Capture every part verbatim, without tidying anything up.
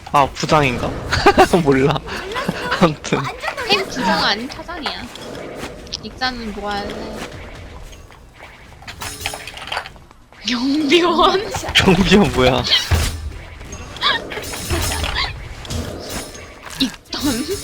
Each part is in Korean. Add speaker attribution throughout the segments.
Speaker 1: 아 부장인가? 몰라. 아무튼
Speaker 2: 햄 부장 아닌 차장이야. 익사는 뭐 할래? 경비원?
Speaker 1: 경비원 뭐야?
Speaker 2: 있던.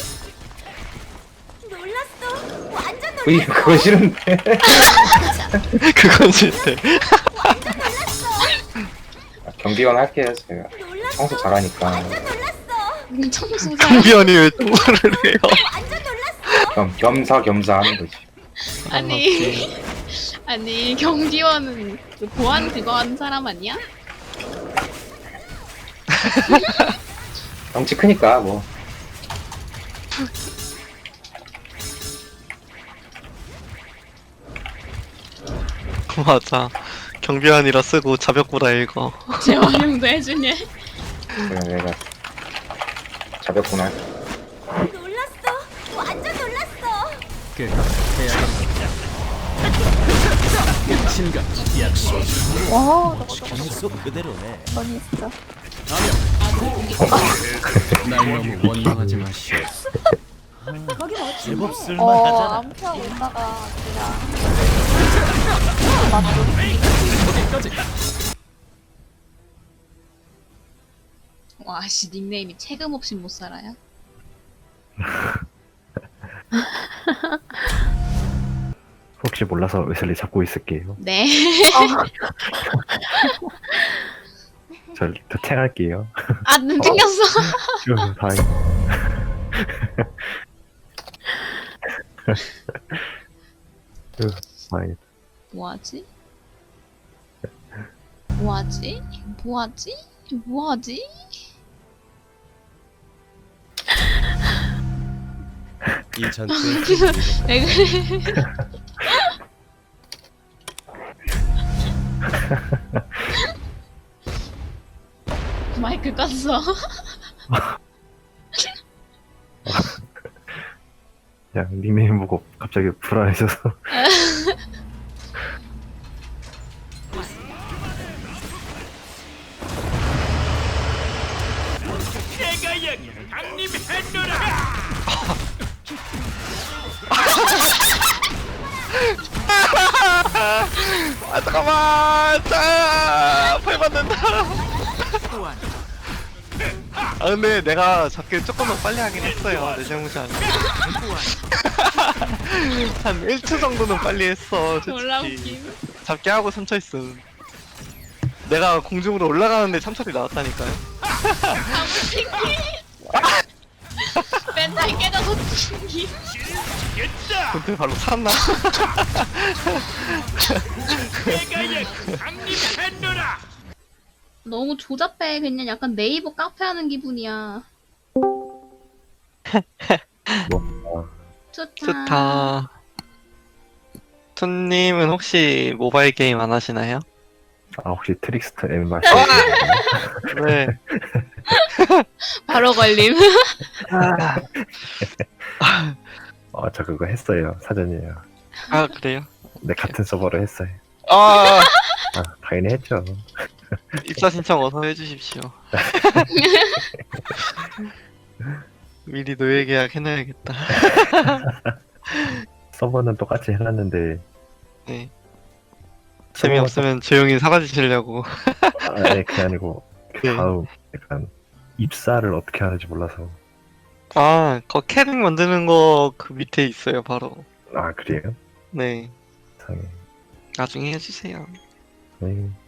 Speaker 3: 놀랐어. 완전 놀랐어.
Speaker 4: 으이 그거 싫은데.
Speaker 1: 그건 싫대.
Speaker 3: 완전 놀랐어.
Speaker 4: 아, 경비원 할게요 제가.
Speaker 3: 놀랐어.
Speaker 4: 청소 잘하니까.
Speaker 3: 완전 놀랐어.
Speaker 2: 청소사.
Speaker 1: 경비원이 왜 통화를 해요?
Speaker 3: 완전 놀랐어.
Speaker 4: 겸 겸사겸사 하는 거지.
Speaker 2: 아니, 아니 경비원은 그 보안 그거 하는 사람 아니야?
Speaker 4: 덩치 크니까 뭐.
Speaker 1: 맞아. 경비원이라 쓰고 자벽보라 읽어.
Speaker 2: 재활용도 해주냐?
Speaker 4: 그냥 내가 자벽구나.
Speaker 3: 놀랐어. 완전 놀랐어.
Speaker 5: 와,
Speaker 6: 계속 그대로네.
Speaker 5: 너니 진짜.
Speaker 6: 날 너무 원망하지 마시오. 제법
Speaker 5: 어,
Speaker 6: 쓸만하잖아.
Speaker 5: 안 피하고 있다가 그냥.
Speaker 2: 와씨 닉네임이 책임 없이 못 살아요?
Speaker 7: 혹시 몰라서 웨슬리 잡고 있을게요.
Speaker 2: 네.
Speaker 7: 저 도착할게요.
Speaker 2: 아 눈 튕겼어.
Speaker 7: 좀 다행. 으, 다행이다.
Speaker 2: 뭐하지? 뭐하지? 뭐하지? 뭐하지?
Speaker 6: 이 전투에
Speaker 2: 왜 그래? 마이크 껐어.
Speaker 7: 그냥 닉네임 보고 갑자기 불안해져서.
Speaker 1: 아 잠깐만. 자, 팔 받는다. 아 근데 내가 잡기를 조금 더 빨리 하긴 했어요. 내 잘못이 아니고. 한 일 초 정도는 빨리 했어.
Speaker 2: 졸라
Speaker 1: 솔직히.
Speaker 2: 웃김.
Speaker 1: 잡기 하고 삼 초 있음. 내가 공중으로 올라가는데 삼 초이 나왔다니까요.
Speaker 2: 멘탈 깨져서 튕김.
Speaker 1: 근데 바로 샀나?
Speaker 2: 너무 조잡해. 그냥 약간 네이버 카페 하는 기분이야.
Speaker 7: 뭐,
Speaker 2: 좋다.
Speaker 1: 좋다. 투님은 혹시 모바일 게임 안 하시나요?
Speaker 7: 아, 혹시 트릭스터 M 말씀하시나요?
Speaker 1: 네.
Speaker 2: 바로 걸림.
Speaker 7: 어, 저 그거 했어요. 사전이에요.
Speaker 1: 아 그래요?
Speaker 7: 네, 같은 서버로 했어요.
Speaker 1: 아
Speaker 7: 아, 당연히 했죠.
Speaker 1: 입사 신청 어서 해주십시오. 미리 노예 계약 해놔야겠다.
Speaker 7: 서버는 똑같이 해놨는데,
Speaker 1: 네. 재미없으면 조용히 사라지시려고.
Speaker 7: 아니, 그게 아니고, 그
Speaker 1: 네.
Speaker 7: 다음, 약간, 입사를 어떻게 하는지 몰라서.
Speaker 1: 아, 거 캐릭 만드는 거 그 밑에 있어요, 바로.
Speaker 7: 아, 그래요?
Speaker 1: 네.
Speaker 7: 이상해.
Speaker 1: 나중에 해주세요.
Speaker 7: 네.